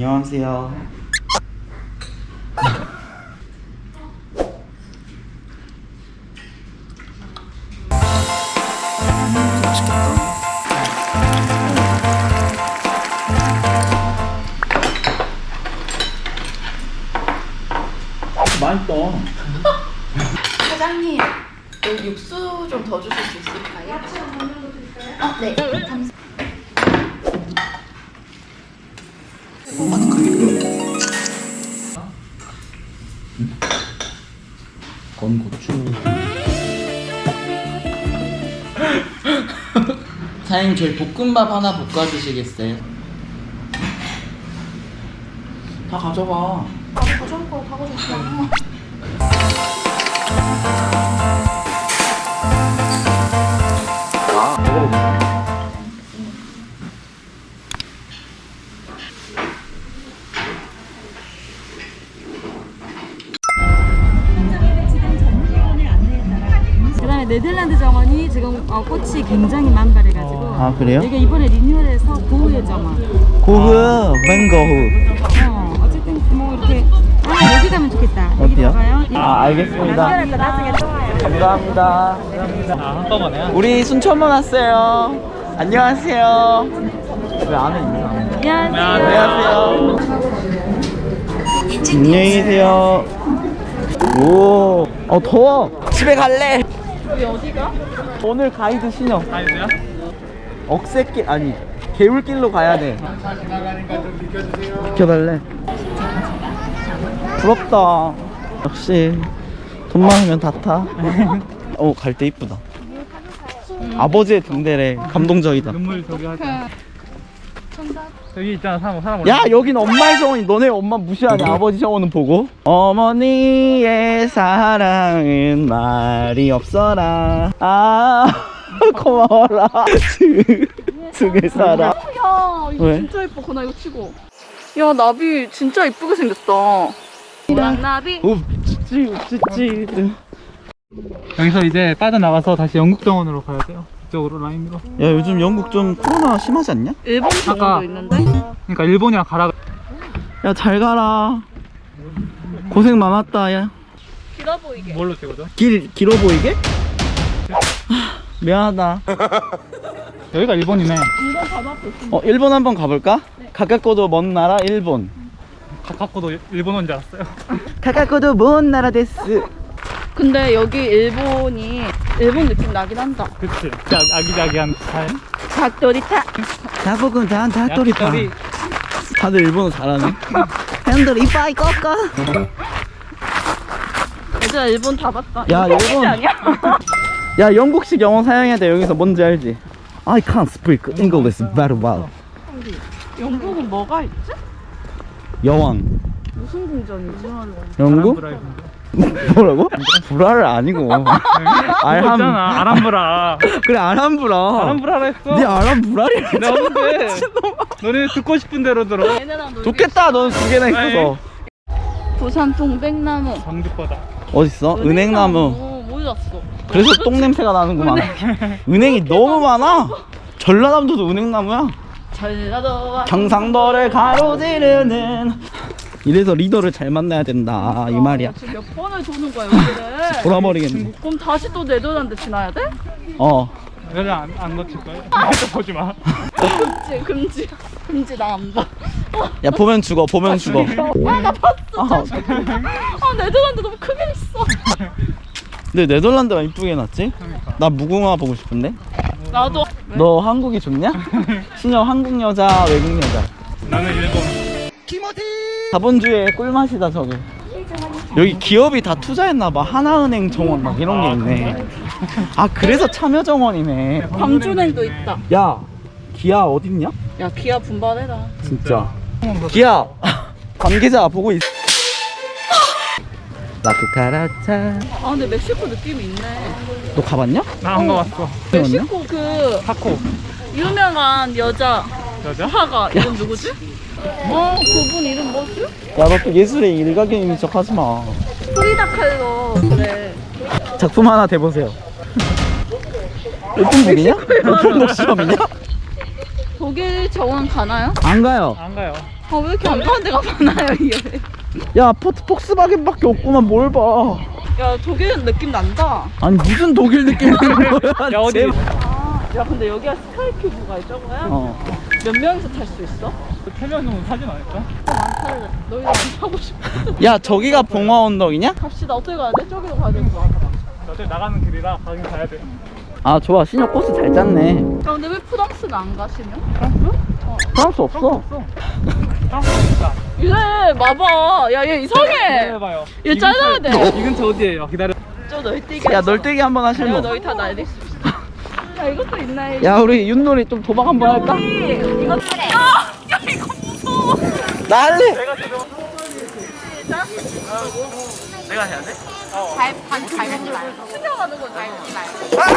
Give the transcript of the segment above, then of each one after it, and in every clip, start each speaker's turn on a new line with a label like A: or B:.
A: 안녕하세요. 맛있다.
B: 사장님, 여기 육수 좀 더 주실 수 있을까요? 네. 감사합니다.
A: 건고추. 사장님 저희 볶음밥 하나 볶아주시겠어요? 다 가져가.
B: 가져올 거 다 가져올게요.
C: 그다음에 네덜란드 정원이 지금 꽃이 굉장히 만발해가지고
A: 아, 그래요?
C: 이게 이번에 리뉴얼해서 고흐의 정원.
A: 고흐, 맹거흐.
C: 어쨌든 뭐 이렇게 여기 가면 좋겠다. 여기
A: 어디요?
C: 가요.
A: 아, 알겠습니다.
C: 연결해서 나중에 또 와요.
A: 감사합니다.
D: 한꺼번에요?
A: 우리 순천만 왔어요. 안녕하세요. 왜 안에 있나?
C: 안녕하세요.
A: 안녕히 계세요. 오, 더워. 집에 갈래.
C: 우리 어디가?
A: 오늘 가이드 신청.
D: 아니세요?
A: 억새길 아니 개울길로 가야 돼. 비켜달래. 부럽다. 역시 돈 많으면 다 타. 갈 때 이쁘다. 아버지의 등대래. 감동적이다.
D: 눈물 저기 하자. 여기 있잖아 사람
A: 야, 여긴 엄마의 정원이. 너네 엄마 무시하냐? 아버지 정원은 보고. 어머니의 사랑은 말이 없어라. 아 고마워라. 등에 살아.
B: 야, 이거
A: 왜?
B: 진짜 예뻐. 그나 이거 치고. 야, 나비 진짜 이쁘게 생겼다. 나비.
A: 읍지찌.
D: 여기서 이제 빠져나가서 다시 영국 정원으로 가야 돼요. 이쪽으로 라인으로.
A: 야, 요즘 영국 좀 코로나 심하지 않냐?
B: 일본 정원도
D: 아까-
B: 있는데?
D: 그러니까 일본이랑 가라.
A: 야, 잘 가라. 고생 많았다. 야,
B: 길어 보이게.
D: 뭘로 찍어줘?
A: 길어 보이게? 미안하다.
D: 여기가 일본이네.
A: 일본 한번 가볼까? 가깝고도 먼 나라 일본.
D: 가깝고도 일본어인 줄 알았어요.
A: 가깝고도 먼 나라 데스.
B: 근데 여기 일본이 일본 느낌 나긴 한다.
D: 그치. 아기자기한 스타일.
B: 닭도리타.
A: 나보고 난 닭도리파.
D: 야끼토리.
A: 다들 일본어 잘하네. 핸들 이빠이 꺾어.
B: 얘들아 일본 다 봤다.
A: 야,
B: 이거
A: 일본.
B: 아니야?
A: 야, 영국식 영어 사용해야 돼. 여기서 뭔지 알지? I can't speak English very well.
B: 영국은 뭐가 있지?
A: 여왕.
B: 무슨 궁전이지?
A: 영국? 뭐라고? 불화를 아니고. 알함.
D: 있잖아 아람브라.
A: 그래, 알함브라.
D: 아람브라라 했어.
A: 네 알함브라리.
D: 나 없는데. 너네 듣고 싶은 대로 들어.
B: 얘네랑 놀기.
A: 좋겠다. 넌 두 개나 있어서.
B: 부산 동백나무.
D: 정득보다.
A: 어딨어? 은행나무.
B: 몰랐어.
A: 그래서 똥 냄새가 나는구만. 은행이 너무 많아. 전라남도도 은행나무야.
B: 전라도와
A: 경상도를 가로지르는. 이래서 리더를 잘 만나야 된다 이 말이야.
B: 지금 몇 번을 도는 거야 여기를.
A: 돌아버리겠네.
B: 그럼 다시 또 네덜란드 지나야 돼?
D: 여기 안 놓칠 거야. 보지 마.
B: 금지 나 안 봐.
A: 야, 보면 죽어. 보면 죽어.
B: 나 봤어.
A: 아,
B: 네덜란드 너무 크게 있어.
A: 근데 네덜란드가 이쁘게 해놨지? 나 무궁화 보고 싶은데.
B: 나도.
A: 너 한국이 좋냐? 신영 한국 여자 외국 여자.
D: 나는 일본.
A: 자본주의의 꿀맛이다 저게. 여기 기업이 다 투자했나봐. 하나은행 정원 막 이런 게 있네. 아, 그래서 참여정원이네.
B: 광주냉도 있다.
A: 야, 기아 어딨냐?
B: 야 기아 분발해라.
A: 진짜. 기아 관계자 보고 있. 라쿠카라차.
B: 아 근데 멕시코 느낌이 있네.
A: 너 가봤냐?
D: 나 안 가봤어.
B: 멕시코 그
D: 타코.
B: 유명한 여자
D: 여자?
B: 화가 이름 누구지? 그분 이름 뭐지?
A: 야, 너 또 예술의 일각견인 척 하지 마.
B: 프리다 칼로. 그래.
A: 작품 하나 대보세요. 오픈북이냐? 오픈북 시험이냐?
B: 독일 정원 가나요?
A: 안 가요.
D: 안 가요.
B: 아, 왜 이렇게 안 가는 데가 많아요, 이게.
A: 야 포트 폭스바겐밖에 없구만. 뭘 봐.
B: 야, 독일 느낌 난다.
A: 아니 무슨 독일 느낌이야.
D: 야, 어디?
A: 제발.
B: 야, 근데 여기가 스카이큐브가 저거야?
A: 어.
B: 몇 명이서 탈 수 있어?
D: 3명 정도 사진 안 했어?
B: 많다. 너희가 안 타고 싶어.
A: 야 저기가 봉화 언덕이냐?
B: 갑시다. 어떻게 가야 돼? 저기로 가야 되는 거 같아.
D: 어차피 나가는 길이라 가긴 가야 돼.
A: 아 좋아. 신호 코스 잘 짰네.
B: 야, 근데 왜 프랑스는 안 가시냐?
A: 프랑스 없어.
D: 있다.
B: 이래, 봐봐. 야, 얘 이상해.
D: 기다려봐요.
B: 얘 잘라야 돼.
D: 이 근처 어디에요? 기다려.
B: 저 널뛰기.
A: 야 널뛰기 한번
B: 내가
A: 하실래?
B: 너희 다 날릴 수 있어. 야, 이것도 있나?
A: 야 우리 윷놀이 좀 도박 한번 할까?
B: 이거 야, 이거 무서워.
A: 난리.
B: 시작.
A: 내가 해야 돼?
C: 밟지 말고.
B: 신경하는 거지.
C: 밟지 말고.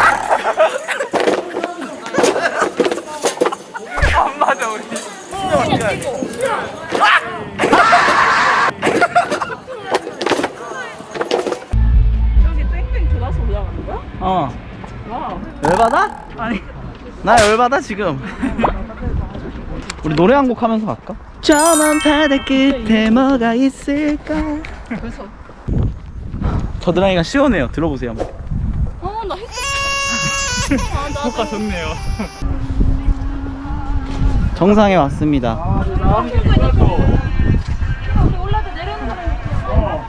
A: 안 맞아 우리.
B: 여기 땡땡 돌아서 올라가는 거야?
A: 어.
B: 와우.
A: 열받아?
B: 아니.
A: 나 열받아 지금. 우리 노래 한 곡 하면서 갈까? 저 먼 바다 끝에 뭐가 있을까?
B: 그래서.
A: 겨드랑이가 시원해요. 들어보세요.
B: 나 했어. 나
D: 효과 좋네요.
A: 정상에 왔습니다.
B: 올라도 내려오는 사람이 있어.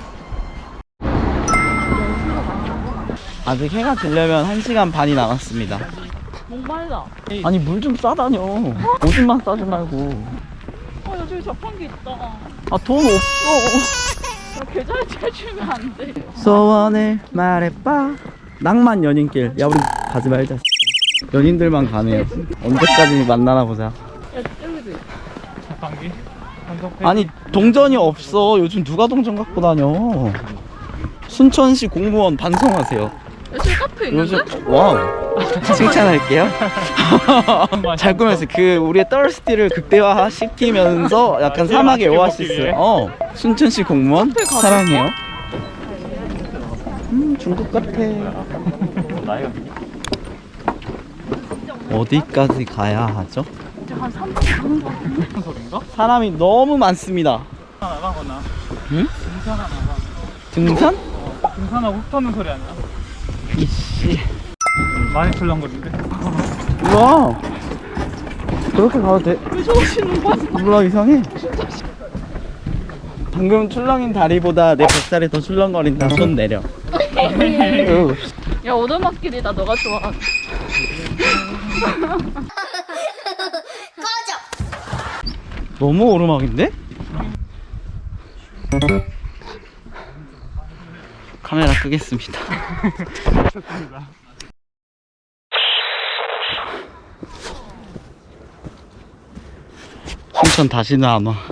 A: 아직 해가 지려면 1시간 반이 남았습니다.
B: 목말라.
A: 아니 물 좀 싸다녀. 오줌만 싸지 말고.
B: 여기 자판기 있다.
A: 아 돈 없어.
B: 야, 계좌에 채주면 안 돼.
A: 소원을 말해봐. 낭만 연인길. 야 우리 가지 말자. 연인들만 가네요. 언제까지 만나나 보자.
B: 야, 여기도 있어.
D: 자판기.
A: 아니 동전이 없어. 요즘 누가 동전 갖고 다녀. 순천시 공무원 반성하세요.
B: 여기 카페 있는데?
A: 요즘 와우. 칭찬할게요. 잘 꾸몄어요. 그 우리의 떨스티를 극대화 시키면서 약간 사막의 오아시스. 순천시 공무원 사랑해요. 중국 같아. 어디까지 가야 하죠?
B: 한 3분 가는 거 같은데?
D: 무슨 소린가?
A: 사람이 너무 많습니다.
D: 나가거나.
A: 응?
D: 등산 하나 나가.
A: 등산?
D: 등산하고 흙 터는 소리 아니야?
A: 이씨.
D: 많이 출렁거리는데?
A: 우와. 그렇게 가도 돼?
B: 왜 저러시는 거야?
A: 몰라 이상해. 방금 출렁인 다리보다 내 뱃살이 더 출렁거린다. 손 내려. 으.
B: 야, 오르막길이다. 너가 좋아하는.
A: 너무 오르막인데? 카메라 끄겠습니다. 순천 다시는 안 와.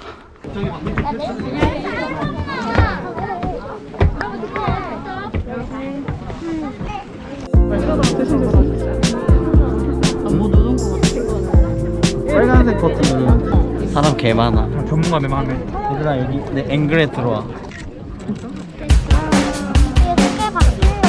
B: 뭐 누른 거 같아.
A: 빨간색 버튼. 사람 개 많아.
D: 전문가들 많네.
A: 얘들아 여기 내 앵글에 들어와.
C: 이게 크게 바뀌는